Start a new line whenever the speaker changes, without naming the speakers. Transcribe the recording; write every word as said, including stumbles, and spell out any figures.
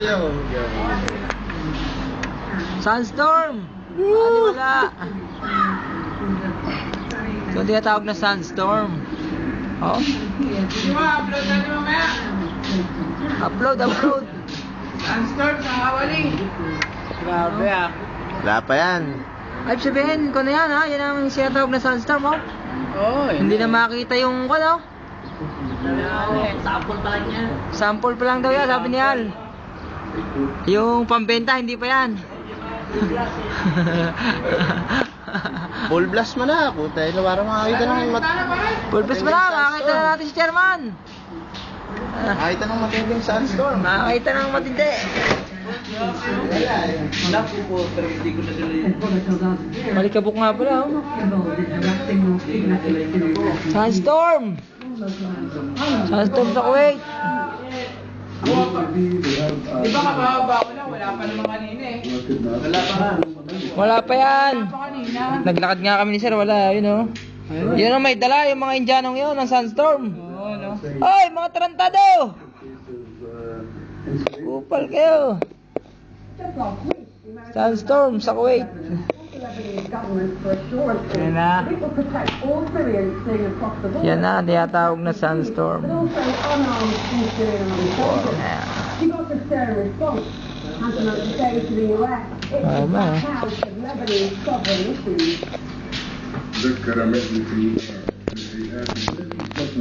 Sunstorm! Ano wala? So, tinatawag na sunstorm. Oh?
Upload na nyo mamaya.
Upload, upload.
Sunstorm sa Hawali. Grabe ah.
Wala pa yan.
Ay, sabihin ko na yan ha. Yan ang sinatawag na sunstorm, oh.
Oo.
Hindi na makita yung, ano?
Sample pa lang yan.
Sample pa lang daw yan, sabi ni Al. Yung pambenta, hindi pa yan.
Full blast mo na. Puta, ilo para makakita ng mat...
Full press pa lang, makakita na natin si Chairman.
Makakita ng matinding sandstorm.
Makakita ng matindi.
Naku po, pero hindi ko na dala yun.
Malikabok nga pala, oh. Sunstorm! Sunstorm sa Kuwait.
Di ba kababa ko lang? Wala pa naman kanina eh. Wala pa nga.
Wala pa yan.
Wala pa kanina.
Naglakad nga kami ni Sir, wala, yun oh. Yun ang may dala, yung mga Indianong yun, ng Sunstorm.
Oo, no?
Hoy, mga tarantado! Kupal kayo. Sunstorm sa Kuwait. Yan na. Yan na, tinatawag na sunstorm. Tama.
ذكر مثل في